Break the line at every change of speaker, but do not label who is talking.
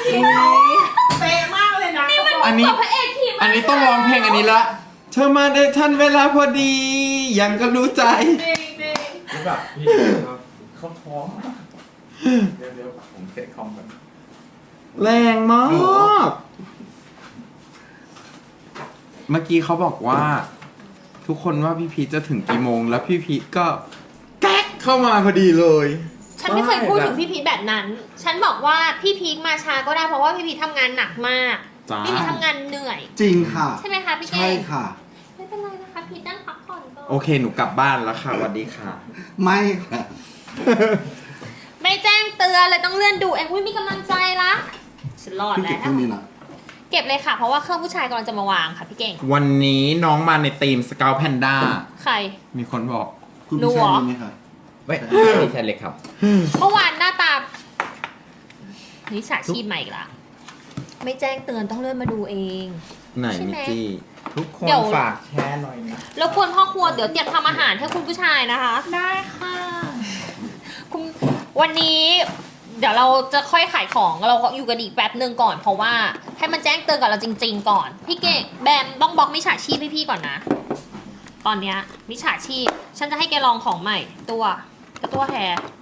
เป๊ะมากเลยนะ
นี่มัน
อันนี้
กับพระเอกขี่ม้า
อันนี้ต้องร้องเพลงอันนี้ละเธอมาได้ทันเวลาพอดี ยังก็รู้ใจ
จริงจริง
แล้วแบบพี่เขาท้องเดี๋ยวผมเซ็ตคอมก่อน
แรงมาก เมื่อกี้เขาบอกว่า ทุกคนว่าพี่พีชจะถึงกี่โมง แล้วพี่พีชก็แก๊กเข้ามาพอดีเลย
ฉันไม่เคยพูดถึงพี่พีชแบบนั้น ฉันบอกว่าพี่พีคมาช้าก็ได้เพราะว่าพี่พีชทำงานหนักมาก
จ้า
พี่พีชทำงานเหนื่อย
จริงค่ะ
ใช่ไหมคะพี่เก่
ใช่
ง
ค่ะ
ไม่เป็นไรนะคะพีชนั่งพักผ่อนก่อน
โอเคหนูกลับบ้านแล้วค่ะสวัสดีค่ะ
ไม่ค่ะ
ไม่แจ้งเตือนเลยต้องเลื่อนดูเองอุ้ยมีกำลังใจละฉันรอด
พี่
แล้
เก็บเครื่อง
ว
นี้นะ
เก็บเลยค่ะ เพราะว่าเครื่องผู้ชายกำลังจะมาวางค่ะพี่เก่ง
วันนี้น้องมาในทีมสเกลแพนด้า
ใคร
มีคนบอก
คุณ
หนู
พี่
เหร
ชาย
อ
มีไหมคะ
ไม่ใช่เล็กครับ
เมื่อวานหน้าตานิสัยชีพใหม่อีกละไม่แจ้งเตือนต้องเลื่อนมาดูเอง
ไหน
ใช่
มิ
ไหม
จี้
ทุกคน
เดี๋ยว
ฝากแชร์หน่อยนะ
แล้วควรพ่อครัวเดี๋ยวเตรียมทำอาหารให้คุณผู้ชายนะคะ
ได้ค่ะ
คุณวันนี้เดี๋ยวเราจะค่อยขายของเราก็อยู่กันอีกแป๊บหนึ่งก่อน เพราะว่าให้มันแจ้งเตือนกับเราจริง ๆ ก่อน พี่เก่งแบมต้องบล็อกมิจฉาชีพให้พี่ก่อนนะ ตอนเนี้ยมิจฉาชีพ ฉันจะให้แกลองของใหม่ตัวแฮร์